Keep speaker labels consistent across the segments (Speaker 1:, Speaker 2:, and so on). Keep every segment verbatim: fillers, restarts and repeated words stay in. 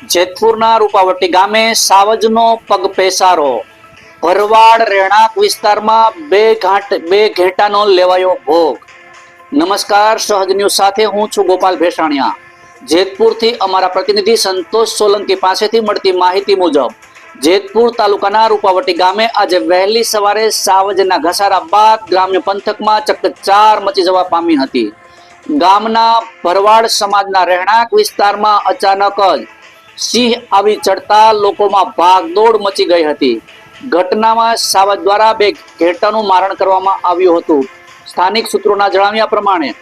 Speaker 1: જેતપુરના રૂપાવટી ગામે સાવજનો પગ પેસારો. ભરવાડ રહેણાંક વિસ્તારમાં બે ઘાટ બે ઘેટાનો લેવાયો ભોગ. નમસ્કાર, સહજ ન્યૂઝ સાથે હું છું ગોપાલ ભેસાણિયા. જેતપુરથી અમારા પ્રતિનિધિ સંતોષ સોલંકી પાસેથી મળતી માહિતી મુજબ જેતપુર તાલુકાના રૂપાવટી ગામે આજે વહેલી સવારે સાવજના ઘસારા બાદ ગ્રામ્ય પંથકમાં ચકચાર મચી જવા પામી હતી. ગામના ભરવાડ સમાજના રહેણાંક વિસ્તારમાં અચાનક જ સિંહ આવી ચડતા લોકોમાં ભાગદોડ મચી ગઈ હતી. ઘટનામાં સાવજ દ્વારા બે ઘેટાનું મારણ કરવામાં આવ્યું હતું. સ્થાનિક સૂત્રોના જણાવ્યા પ્રમાણે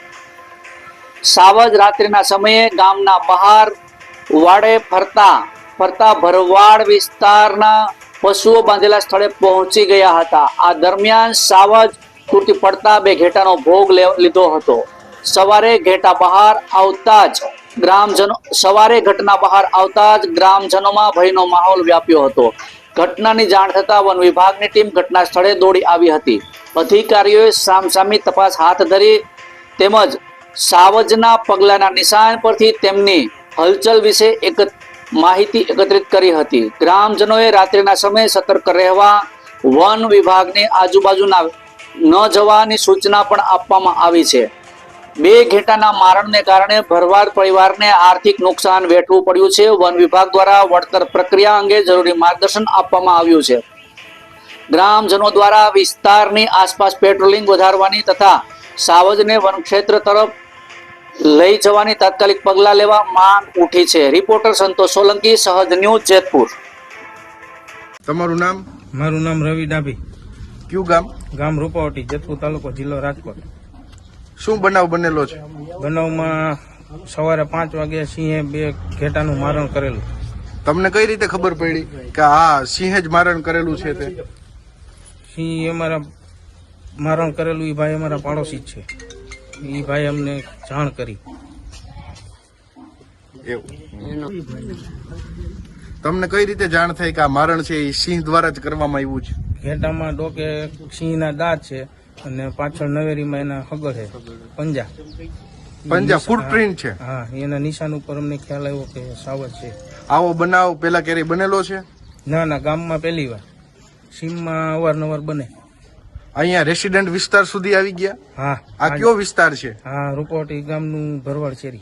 Speaker 1: સાવજ રાત્રિના સમયે ગામના બહાર વાડે ફરતા ફરતા ભરવાડ વિસ્તારના પશુઓ બાંધેલા સ્થળે પહોંચી ગયા હતા. આ દરમિયાન સાવજ તૂટી પડતા બે ઘેટાનો ભોગ લીધો હતો. સવારે ઘેટા બહાર આવતા જ ગ્રામજનો સવારે ઘટના બહાર આવતા જ ગ્રામજનોમાં ભયનો માહોલ વ્યાપ્યો હતો. ઘટનાની જાણ થતા વન વિભાગની ટીમ ઘટના સ્થળે દોડી આવી હતી. અધિકારીઓએ સામસામી તપાસ હાથ ધરી તેમજ સાવજના પગલાના નિશાન પરથી તેમની હલચલ વિશે એક માહિતી એકત્રિત કરી હતી. ગ્રામજનોએ રાત્રિના સમયે સતર્ક રહેવા વન વિભાગને આજુબાજુના ન જવાની સૂચના પણ આપવામાં આવી છે. બે ઘેટાના મારણને કારણે ભરવાડ પરિવારને આર્થિક નુકસાન વેઠવું પડ્યું છે. વન વિભાગ દ્વારા વળતર પ્રક્રિયા અંગે જરૂરી માર્ગદર્શન આપવામાં આવ્યું છે. ગ્રામજનો દ્વારા વિસ્તારની આસપાસ પેટ્રોલિંગ વધારવાની તથા સાવજને વનક્ષેત્ર તરફ લઈ જવાની તાત્કાલિક પગલાં લેવા માંગ ઉઠી છે. રિપોર્ટર સંતોષ સોલંકી, સહજ ન્યૂઝ, જેતપુર.
Speaker 2: તમારું નામ?
Speaker 3: મારું નામ રવિ ડાભી.
Speaker 2: કયું ગામ?
Speaker 3: ગામ રૂપાવટી, જેતપુર તાલુકો, જિલ્લો રાજકોટ.
Speaker 2: શું બનાવ બનેલો છે?
Speaker 3: બનાવમાં સવારે પાંચ વાગે સિંહે બે ઘેટાનું મારણ કરેલું.
Speaker 2: તમને કઈ રીતે ખબર પડી કે આ સિંહે જ મારણ કરેલું છે? તે
Speaker 3: સિંહ અમારા મારણ કરેલું એ ભાઈ અમારા પાડોશી જ છે. એ ભાઈ અમને જાણ કરી.
Speaker 2: એવું તમને કઈ રીતે જાણ થઈ કે આ મારણ છે એ સિંહ દ્વારા જ કરવામાં આવ્યું છે?
Speaker 3: ઘેટામાં ડોકે સિંહના દાંત છે અને પાછળ નવેરીમાં એના હગર છે, પંજા
Speaker 2: પંજા ફૂટપ્રિન્ટ છે.
Speaker 3: હા, એના નિશાન ઉપર અમને ખ્યાલ આવ્યો કે સાવજ છે.
Speaker 2: આવો બનાવ પેલા ક્યારેય બનેલો છે?
Speaker 3: ના ના, ગામમાં પહેલી વાર. સીમમાં અવારનવાર બને.
Speaker 2: અહીંયા રેસિડેન્ટ વિસ્તાર સુધી આવી ગયા?
Speaker 3: હા.
Speaker 2: આ કયો વિસ્તાર છે?
Speaker 3: હા, રૂપાવટી ગામનું ભરવાડ શેરી.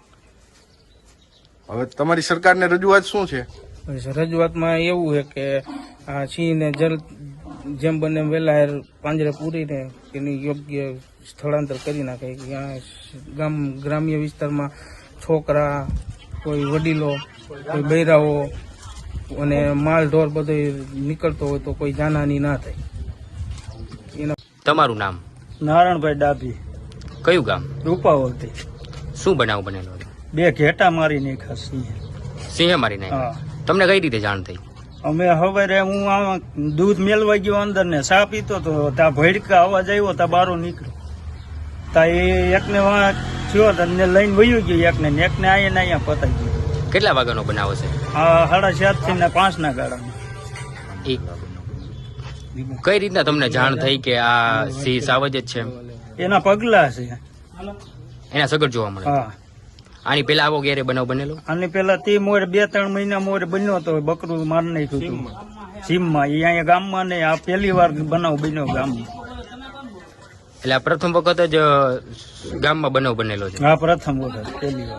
Speaker 2: હવે તમારી સરકારને રજૂઆત શું છે?
Speaker 3: રજૂઆતમાં એવું છે કે આ સિંહને જલ જેમ બને વહેલા પાંજરે પૂરીને એની યોગ્ય સ્થળાંતર કરી નાખે. ત્યાં ગામ ગ્રામ્ય વિસ્તારમાં છોકરા, કોઈ વડીલો, કોઈ બૈરાઓ અને માલ ઢોર બધો નીકળતો હોય તો કોઈ જાનહાની ના થાય. એના
Speaker 4: તમારું નામ?
Speaker 5: નારાયણભાઈ ડાભી.
Speaker 4: કયું ગામ?
Speaker 5: રૂપાવટી.
Speaker 4: શું બનાવ બનેલો?
Speaker 5: બે ઘેટા મારી નાખ્યા સિંહે.
Speaker 4: સિંહે મારી નાખ્યા?
Speaker 5: હા.
Speaker 4: તમને કઈ રીતે જાણ થઈ?
Speaker 5: અમે હવે હું આમાં દૂધ મેળવા ગયો અંદર ને ચા પીતો તો ત્યાં ભડકા અવાજ આવ્યો, ત્યાં બારો નીકળ્યો. તા એ એકને થયો ને લઈને વયું ગયું એકને ને એકને અહીંયા ને અહીંયા પતાઈ ગયું.
Speaker 4: કેટલા વાગ્યાનો બનાવ છે?
Speaker 5: આ સાડા ચાર થી ને પાંચ ના ગાળામાં.
Speaker 4: એ કઈ રીતના તમને જાણ થઈ કે આ સિંહ સાવજ જ છે?
Speaker 5: એના પગલા છે.
Speaker 4: એના સગર જોવા મળે?
Speaker 5: હા.
Speaker 4: આની પેલા આવો ક્યારે બનાવ બનેલો?
Speaker 5: આની પેલા તે મોરે બે ત્રણ મહિના મોરે બન્યો હતો, બકરું મારી નાખ્યું હતું સીમમાં. એ અહીંયા ગામમાં ને આ પહેલી વાર બનાવ બન્યો ગામમાં.
Speaker 4: એટલે આ પ્રથમ વખત જ ગામમાં બનાવ બનેલો છે?
Speaker 5: હા, પ્રથમ વખત પહેલી વાર.